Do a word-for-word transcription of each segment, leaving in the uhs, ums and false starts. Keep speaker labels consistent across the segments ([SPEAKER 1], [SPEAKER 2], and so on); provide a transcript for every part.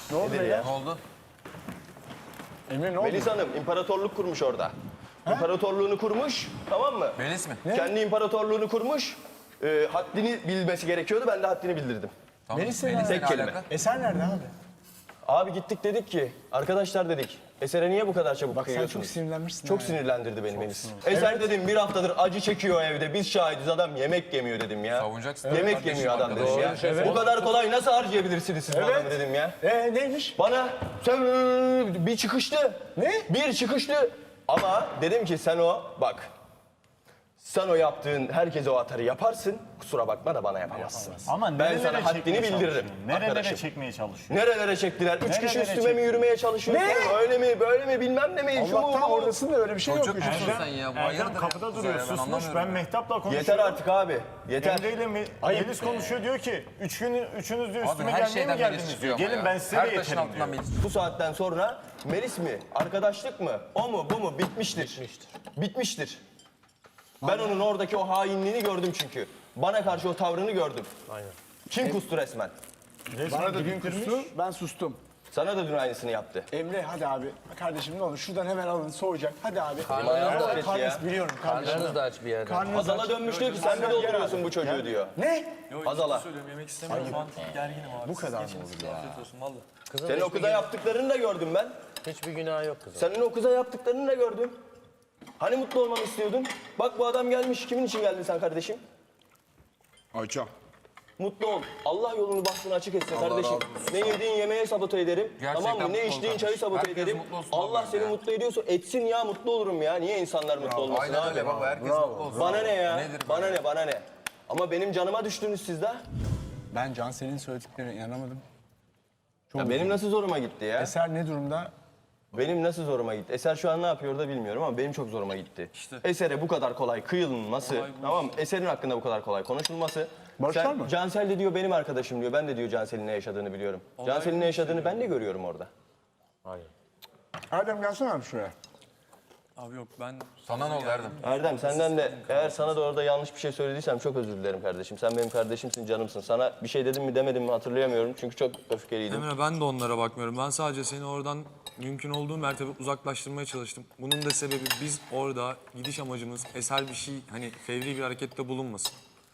[SPEAKER 1] Ne oldu
[SPEAKER 2] Nedir
[SPEAKER 1] ya?
[SPEAKER 2] ya?
[SPEAKER 3] Ne oldu?
[SPEAKER 1] Emre ne oldu?
[SPEAKER 2] Melis Hanım imparatorluk kurmuş orada. İmparatorluğunu kurmuş, tamam mı?
[SPEAKER 3] Melis mi?
[SPEAKER 2] Kendi imparatorluğunu kurmuş. E, haddini bilmesi gerekiyordu, ben de haddini bildirdim.
[SPEAKER 3] Tamam.
[SPEAKER 1] Melis'le
[SPEAKER 3] Melis'le
[SPEAKER 2] tek
[SPEAKER 3] ne
[SPEAKER 2] kelime.
[SPEAKER 3] alaka?
[SPEAKER 1] Eser nerede abi?
[SPEAKER 2] Abi gittik dedik ki, arkadaşlar dedik, Eser'e niye bu kadar çabuk
[SPEAKER 1] Bak sen
[SPEAKER 2] kıyıyorsunuz?
[SPEAKER 1] çok sinirlenmişsin.
[SPEAKER 2] Çok
[SPEAKER 1] ha.
[SPEAKER 2] sinirlendirdi beni Melis. Eser dedim bir haftadır acı çekiyor evde, biz şahidiz, adam yemek yemiyor dedim ya.
[SPEAKER 3] Savunacaksın.
[SPEAKER 2] Yemek
[SPEAKER 3] Kardeşim,
[SPEAKER 2] yemiyor adam dedim
[SPEAKER 3] arkadaş.
[SPEAKER 2] ya. Bu kadar kolay nasıl harcayabilirsiniz siz bu
[SPEAKER 1] Evet.
[SPEAKER 2] adamı dedim ya.
[SPEAKER 1] Ee neymiş?
[SPEAKER 2] Bana sen bir çıkıştı.
[SPEAKER 1] Ne?
[SPEAKER 2] Bir çıkıştı. Ama dedim ki sen o bak. Sen o yaptığın herkese o atarı yaparsın. Kusura bakma da bana yapamazsın.
[SPEAKER 4] Ama
[SPEAKER 2] Ben
[SPEAKER 4] nerelere
[SPEAKER 2] sana haddini
[SPEAKER 4] çekmeye
[SPEAKER 2] bildiririm.
[SPEAKER 4] çalışıyorsun? Nerelere
[SPEAKER 2] arkadaşım.
[SPEAKER 4] çekmeye çalışıyorsun?
[SPEAKER 2] Nerelere çektiler? Üç
[SPEAKER 4] Nerelere
[SPEAKER 2] kişi üstüme mi
[SPEAKER 4] çektiler?
[SPEAKER 2] yürümeye çalışıyorsun?
[SPEAKER 1] Ne?
[SPEAKER 2] Öyle mi? Böyle mi? Bilmem ne mi? Şu mu?
[SPEAKER 1] Allah'tan
[SPEAKER 2] bu mu?
[SPEAKER 1] oradasın da öyle bir şey yok.
[SPEAKER 3] Çok
[SPEAKER 1] Üçüncü-
[SPEAKER 3] musun sen ya? Bu
[SPEAKER 4] Erdem
[SPEAKER 3] hayırdır ya?
[SPEAKER 4] kapıda
[SPEAKER 3] Kuzey
[SPEAKER 4] duruyor,
[SPEAKER 3] ya, ben
[SPEAKER 4] susmuş.
[SPEAKER 3] anlamıyorum
[SPEAKER 4] Ben
[SPEAKER 3] ya.
[SPEAKER 4] Mehtap'la konuşuyorum.
[SPEAKER 2] Yeter artık abi. Yeter.
[SPEAKER 4] Emre ile Mi- Melis konuşuyor, diyor ki üç gün, üçünüz de
[SPEAKER 3] Abi
[SPEAKER 4] üstüme
[SPEAKER 3] her
[SPEAKER 4] gelmeye
[SPEAKER 3] şeyden
[SPEAKER 4] mi
[SPEAKER 3] Melis
[SPEAKER 4] geldiniz
[SPEAKER 3] çıkıyor
[SPEAKER 4] diyor.
[SPEAKER 3] ama
[SPEAKER 4] Gelin
[SPEAKER 3] ya.
[SPEAKER 4] ben size
[SPEAKER 3] Her
[SPEAKER 4] de
[SPEAKER 3] taşın
[SPEAKER 4] yeterim
[SPEAKER 3] altından
[SPEAKER 4] diyor.
[SPEAKER 3] Melis.
[SPEAKER 2] Bu saatten sonra Melis mi? Arkadaşlık mı? O mu? Bu mu? Bitmiştir. Bitmiştir. Bitmiştir. Ben onun oradaki o hainliğini gördüm çünkü. Bana karşı o tavrını gördüm. Aynen. Kim kustu resmen?
[SPEAKER 1] Bana da dün kustu, ben sustum.
[SPEAKER 2] Sana da dün aynısını yaptı.
[SPEAKER 1] Emre hadi abi. Kardeşim ne olur şuradan hemen alın soğuyacak. Hadi abi.
[SPEAKER 2] Ayağını da
[SPEAKER 1] Erdem,
[SPEAKER 2] aç
[SPEAKER 1] karnınız
[SPEAKER 2] ya.
[SPEAKER 1] biliyorum kardeşim.
[SPEAKER 5] Karnınız da aç bir yerde.
[SPEAKER 1] Karnınız
[SPEAKER 2] Azala
[SPEAKER 1] aç.
[SPEAKER 2] dönmüş diyor ki sen mi dolduruyorsun bu çocuğu diyor.
[SPEAKER 1] Ne?
[SPEAKER 2] Azala.
[SPEAKER 6] Söylüyorum yemek istemiyorum şu an gerginim abi.
[SPEAKER 1] Bu kadar mı
[SPEAKER 6] Geçiniz, afiyet olsun valla.
[SPEAKER 5] Kızın
[SPEAKER 2] Senin o
[SPEAKER 5] hiçbir,
[SPEAKER 2] kıza yaptıklarını da gördüm ben.
[SPEAKER 5] hiçbir günahı yok kızın.
[SPEAKER 2] Senin o kıza yaptıklarını da gördüm. Hani mutlu olmamı istiyordun? Bak bu adam gelmiş. Kimin için geldin sen kardeşim?
[SPEAKER 1] Ayça.
[SPEAKER 2] Mutlu ol. Allah yolunu bahtını açık etsin kardeşim. Ne yediğin yemeğe sabote ederim.
[SPEAKER 3] Gerçekten
[SPEAKER 2] tamam mı? Ne
[SPEAKER 3] mutlu ol
[SPEAKER 2] içtiğin çayı
[SPEAKER 3] kardeşim.
[SPEAKER 2] sabote
[SPEAKER 3] Herkes
[SPEAKER 2] ederim.
[SPEAKER 3] mutlu olsun
[SPEAKER 2] Allah
[SPEAKER 3] abi
[SPEAKER 2] seni
[SPEAKER 3] ya.
[SPEAKER 2] mutlu ediyorsa etsin ya mutlu olurum ya. Niye insanlar mutlu olmasın
[SPEAKER 3] Aynen
[SPEAKER 2] abi?
[SPEAKER 3] öyle baba. Herkes mutlu olsun.
[SPEAKER 2] Bana ne ya?
[SPEAKER 3] Nedir bu
[SPEAKER 2] bana
[SPEAKER 3] ya?
[SPEAKER 2] ne bana ne? Ama benim canıma düştünüz siz de.
[SPEAKER 1] Ben Cansel'in söylediklerine inanamadım.
[SPEAKER 2] Ya benim nasıl zoruma gitti ya?
[SPEAKER 1] Eser ne durumda?
[SPEAKER 2] Benim nasıl zoruma gitti? Eser şu an ne yapıyor da bilmiyorum ama benim çok zoruma gitti. Eser'e bu kadar kolay kıyılması, tamam mı? Eser'in hakkında bu kadar kolay konuşulması.
[SPEAKER 1] Barışlar
[SPEAKER 2] Sen-
[SPEAKER 1] mı?
[SPEAKER 2] Cansel de diyor benim arkadaşım diyor. Ben de diyor Cansel'in ne yaşadığını biliyorum. Cansel'in ne yaşadığını ben de görüyorum orada.
[SPEAKER 1] Erdem gelsene abi şuraya.
[SPEAKER 6] Abi yok ben
[SPEAKER 3] Sana ne oldu Erdem?
[SPEAKER 2] Erdem senden de eğer sana da orada yanlış bir şey söylediysem çok özür dilerim kardeşim. Sen benim kardeşimsin, canımsın. Sana bir şey dedim mi demedim mi hatırlayamıyorum çünkü çok öfkeliydim.
[SPEAKER 6] Emre ben de onlara bakmıyorum. Ben sadece seni oradan mümkün olduğu mertebe uzaklaştırmaya çalıştım. Bunun da sebebi biz orada gidiş amacımız eser bir şey hani fevri bir harekette bulunmasın.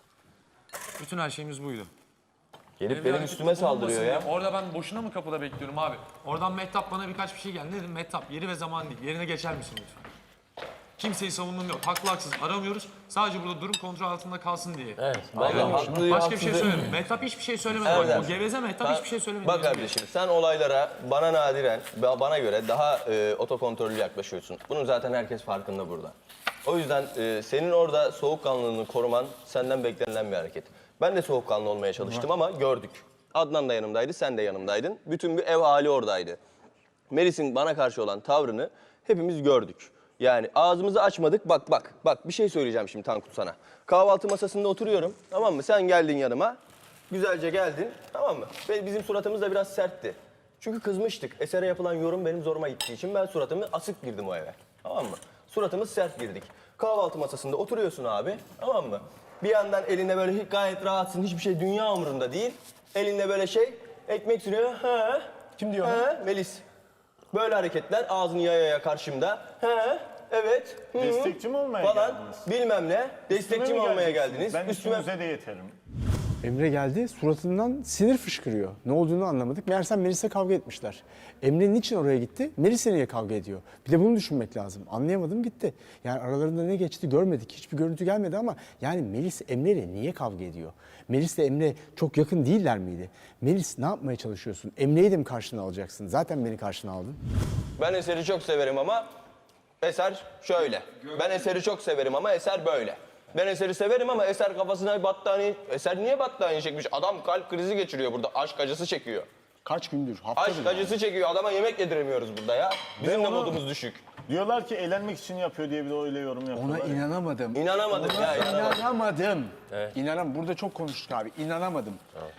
[SPEAKER 6] Bütün her şeyimiz buydu.
[SPEAKER 2] Gelip
[SPEAKER 6] Bir
[SPEAKER 2] benim
[SPEAKER 6] hareket
[SPEAKER 2] üstüme saldırıyor ya.
[SPEAKER 6] bulunmasın diye. Orada ben boşuna mı kapıda bekliyorum abi? Oradan Mehtap bana birkaç bir şey geldi. Ne dedim Mehtap yeri ve zaman değil. Yerine geçer misin lütfen? Kimseyi savunmam yok. Haklı haksız aramıyoruz. Sadece burada durum kontrol altında kalsın diye.
[SPEAKER 5] Evet.
[SPEAKER 2] Vallahi haklı,
[SPEAKER 6] Başka bir şey
[SPEAKER 2] haksız-
[SPEAKER 6] söylemedim. Mehtap hiçbir şey söylemedi.
[SPEAKER 2] Erdem.
[SPEAKER 6] Bak, o geveze Mehtap hiçbir şey söylemedi.
[SPEAKER 2] Bak kardeşim sen olaylara bana nadiren, ba- bana göre daha e, otokontrollü yaklaşıyorsun. Bunun zaten herkes farkında burada. O yüzden e, senin orada soğukkanlılığını koruman senden beklenilen bir hareket. Ben de soğukkanlı olmaya çalıştım ama gördük. Adnan da yanımdaydı, sen de yanımdaydın. Bütün bir ev hali oradaydı. Melis'in bana karşı olan tavrını hepimiz gördük. Yani ağzımızı açmadık. Bak bak bak bir şey söyleyeceğim şimdi Tankut sana. Kahvaltı masasında oturuyorum. Tamam mı? Sen geldin yanıma. Güzelce geldin. Tamam mı? Ve bizim suratımız da biraz sertti. Çünkü kızmıştık. Eser'e yapılan yorum benim zoruma gittiği için ben suratımı asık girdim o eve. Tamam mı? Suratımız sert girdik. Kahvaltı masasında oturuyorsun abi. Tamam mı? Bir yandan elinde böyle gayet rahatsın. Hiçbir şey dünya umurunda değil. Elinde böyle şey ekmek sürüyor. Ha.
[SPEAKER 1] Kim diyor?
[SPEAKER 2] Ha, Melis. Böyle hareketler ağzını yaya yaya karşımda. He, evet. hı,
[SPEAKER 4] Destekçi mi olmaya
[SPEAKER 2] falan,
[SPEAKER 4] geldiniz?
[SPEAKER 2] bilmem ne. Destekçi mi olmaya
[SPEAKER 4] geleceksiniz?
[SPEAKER 2] geldiniz?
[SPEAKER 4] Ben
[SPEAKER 2] Üstüme...
[SPEAKER 4] üstünüze de yeterim.
[SPEAKER 1] Emre geldi, suratından sinir fışkırıyor. Ne olduğunu anlamadık. Meğersem Melis'le kavga etmişler. Emre niçin oraya gitti? Melis'le niye kavga ediyor? Bir de bunu düşünmek lazım. Anlayamadım gitti. Yani aralarında ne geçti görmedik. Hiçbir görüntü gelmedi ama yani Melis Emre'yle niye kavga ediyor? Melis'le Emre çok yakın değiller miydi? Melis ne yapmaya çalışıyorsun? Emre'yi de mi karşına alacaksın? Zaten beni karşına aldın.
[SPEAKER 2] Ben Eser'i çok severim ama Eser şöyle. Ben Eser'i çok severim ama Eser böyle. Ben Eser'i severim ama Eser kafasına battaniye... Eser niye battaniye çekmiş? Adam kalp krizi geçiriyor burada. Aşk acısı çekiyor.
[SPEAKER 1] Kaç gündür? Hafta
[SPEAKER 2] Aşk acısı çekiyor. Adama yemek yediremiyoruz burada ya. Bizim de
[SPEAKER 4] onu-
[SPEAKER 2] modumuz düşük.
[SPEAKER 4] Diyorlar ki eğlenmek için yapıyor diye bir de öyle yorum yapıyorlar.
[SPEAKER 1] Ona inanamadım.
[SPEAKER 2] İnanamadım ya. inanamadım.
[SPEAKER 1] İnanamadım. İnanam. Burada çok konuştuk abi. İnanamadım.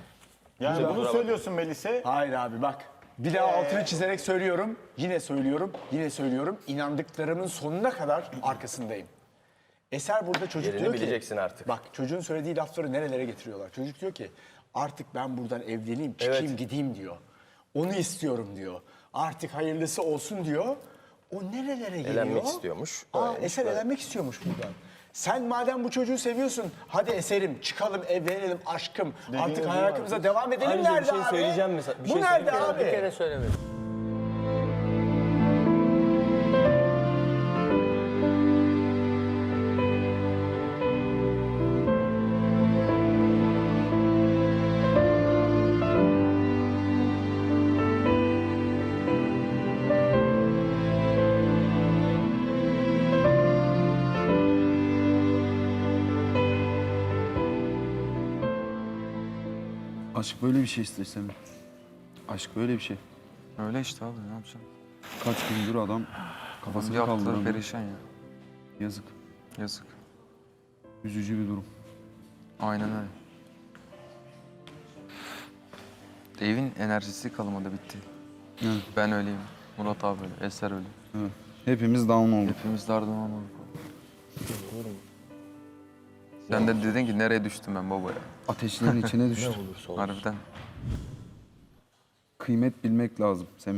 [SPEAKER 4] Yani
[SPEAKER 2] Kusura
[SPEAKER 4] bunu
[SPEAKER 2] bakma.
[SPEAKER 4] söylüyorsun Melis'e.
[SPEAKER 1] Hayır abi bak. Bir daha altını çizerek söylüyorum. Yine söylüyorum. Yine söylüyorum. İnandıklarımın sonuna kadar arkasındayım. Eser burada çocuk
[SPEAKER 2] Yerini
[SPEAKER 1] diyor ki...
[SPEAKER 2] bileceksin artık.
[SPEAKER 1] Bak çocuğun söylediği lafları nerelere getiriyorlar. Çocuk diyor ki artık ben buradan evleneyim, çıkayım,
[SPEAKER 2] Evet.
[SPEAKER 1] gideyim diyor. Onu istiyorum diyor. Artık hayırlısı olsun diyor. O nerelere geliyor?
[SPEAKER 2] Elenmek istiyormuş.
[SPEAKER 1] Aa,
[SPEAKER 2] Öyleymiş,
[SPEAKER 1] Eser
[SPEAKER 2] böyle.
[SPEAKER 1] elenmek istiyormuş buradan. Sen madem bu çocuğu seviyorsun, hadi Eser'im çıkalım, evlenelim aşkım. Artık
[SPEAKER 4] gibi
[SPEAKER 1] hayatımıza devam edelim
[SPEAKER 2] Ayrıca bir
[SPEAKER 1] nerede
[SPEAKER 2] şey
[SPEAKER 1] abi?
[SPEAKER 2] söyleyeceğim mesela, bir
[SPEAKER 1] bu
[SPEAKER 2] şey
[SPEAKER 1] nerede
[SPEAKER 2] söyleyeyim mi?
[SPEAKER 1] abi?
[SPEAKER 5] Bir kere söylemedim.
[SPEAKER 7] Aşk böyle bir şey istesem. Aşk böyle bir şey.
[SPEAKER 3] Öyle işte abi ne yapacaksın?
[SPEAKER 7] Kaç gündür adam kafasını
[SPEAKER 3] Yaptığı
[SPEAKER 7] kaldıramıyor.
[SPEAKER 3] perişan ya.
[SPEAKER 7] Yazık.
[SPEAKER 3] Yazık.
[SPEAKER 7] Üzücü bir durum.
[SPEAKER 3] Aynen öyle. Evin enerjisi kalmadı bitti.
[SPEAKER 7] Evet.
[SPEAKER 3] Ben öyleyim. Murat abi öyle. Eser öyle.
[SPEAKER 7] Evet. Hepimiz down olduk.
[SPEAKER 3] Hepimiz dardan olmadık. Sen de dedin ki nereye düştüm ben baba ya.
[SPEAKER 7] Ateşlerin içine düştü.
[SPEAKER 3] Harbiden.
[SPEAKER 7] Kıymet bilmek lazım Semih.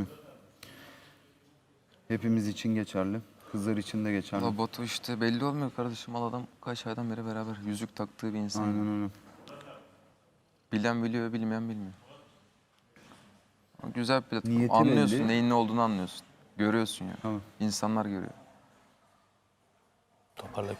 [SPEAKER 7] Hepimiz için geçerli. Kızlar için de geçerli.
[SPEAKER 3] Valla Batu işte belli olmuyor kardeşim. Al adam kaç aydan beri beraber. Yüzük taktığı bir insan.
[SPEAKER 7] Aynen öyle.
[SPEAKER 3] Bilen biliyor, bilmeyen bilmiyor. Ama güzel bir platform.
[SPEAKER 7] Niyeti
[SPEAKER 3] Anlıyorsun,
[SPEAKER 7] belli.
[SPEAKER 3] neyin ne olduğunu anlıyorsun. Görüyorsun ya.
[SPEAKER 7] Tamam.
[SPEAKER 3] İnsanlar görüyor.
[SPEAKER 2] Toparla.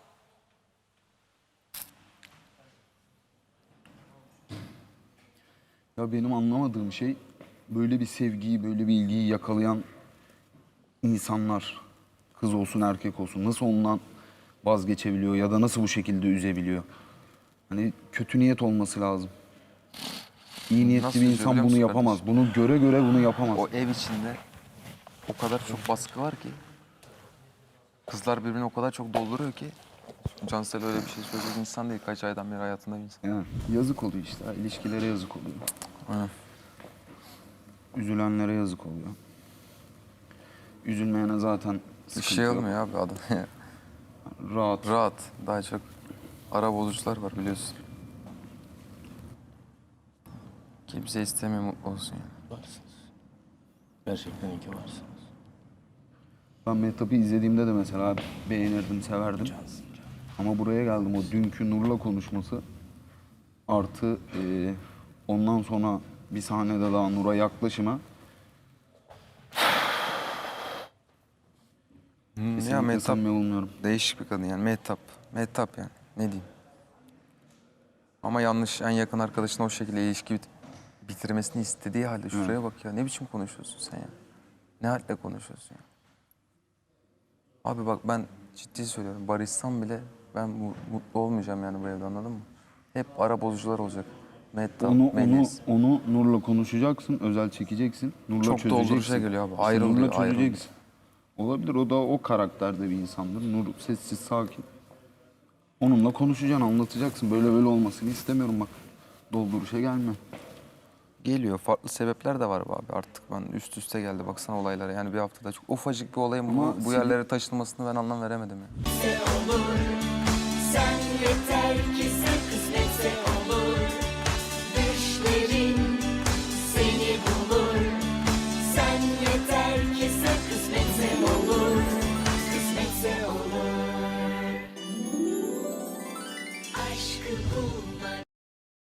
[SPEAKER 7] Ya benim anlamadığım şey böyle bir sevgiyi, böyle bir ilgiyi yakalayan insanlar, kız olsun erkek olsun nasıl ondan vazgeçebiliyor ya da nasıl bu şekilde üzebiliyor? Hani kötü niyet olması lazım. İyi niyetli
[SPEAKER 3] Nasıl
[SPEAKER 7] bir
[SPEAKER 3] üzüyor
[SPEAKER 7] insan
[SPEAKER 3] biliyor
[SPEAKER 7] bunu
[SPEAKER 3] musun
[SPEAKER 7] yapamaz.
[SPEAKER 3] kardeşim?
[SPEAKER 7] Bunu göre göre bunu yapamaz.
[SPEAKER 3] O ev içinde o kadar çok baskı var ki. Kızlar birbirini o kadar çok dolduruyor ki. Cansel öyle bir şey söyleyecek insan değil. Kaç aydan beri hayatında bir insan.
[SPEAKER 7] Yani yazık oluyor işte. İlişkilere yazık oluyor.
[SPEAKER 3] Aynen.
[SPEAKER 7] Üzülenlere yazık oluyor. Üzülmeyene zaten
[SPEAKER 3] Bir
[SPEAKER 7] sıkıntı
[SPEAKER 3] şey
[SPEAKER 7] yok.
[SPEAKER 3] olmuyor abi adam.
[SPEAKER 7] Rahat.
[SPEAKER 3] Rahat. Daha çok ara bozucular var biliyorsun. Kimse istemiyor mutlu olsun yani.
[SPEAKER 2] Varsınız. Gerçekten iyi ki varsınız.
[SPEAKER 7] Ben Mehtap'ı izlediğimde de mesela beğenirdim, severdim. Ama buraya geldim o dünkü Nur'la konuşması artı e, ondan sonra bir sahnede daha Nur'a yaklaşıma
[SPEAKER 3] Hmm, ya
[SPEAKER 7] kesinlikle
[SPEAKER 3] Mehtap
[SPEAKER 7] samimi bulmuyorum.
[SPEAKER 3] değişik bir kadın yani. Mehtap. Mehtap yani. Ne diyeyim. Ama yanlış en yakın arkadaşına o şekilde ilişki bit- bitirmesini istediği halde şuraya bak ya. Ne biçim konuşuyorsun sen ya? Ne halde konuşuyorsun ya? Abi bak ben ciddi söylüyorum. Barışsam bile ben mu- mutlu olmayacağım yani bu evde anladın mı? Hep ara bozucular olacak. Mehtap,
[SPEAKER 7] Onu onu
[SPEAKER 3] Melis.
[SPEAKER 7] onu Nur'la konuşacaksın, özel çekeceksin. Nur'la
[SPEAKER 3] Çok
[SPEAKER 7] çözeceksin.
[SPEAKER 3] dolduruşa geliyor abi.
[SPEAKER 7] İşte
[SPEAKER 3] Ayrılıyor,
[SPEAKER 7] Nur'la
[SPEAKER 3] ayrılıyor.
[SPEAKER 7] çözeceksin. Olabilir o da o karakterde bir insandır. Nur sessiz, sakin. Onunla konuşacaksın, anlatacaksın. Böyle böyle olmasını istemiyorum bak. Dolduruşa gelme.
[SPEAKER 3] Geliyor. Farklı sebepler de var be abi artık. Ben üst üste geldi baksana olaylara. Yani bir haftada çok ufacık bir olayın bu,
[SPEAKER 7] Ama
[SPEAKER 3] bu
[SPEAKER 7] senin-
[SPEAKER 3] yerlere taşınmasını ben anlam veremedim ya.
[SPEAKER 8] Sen yeter ki sev.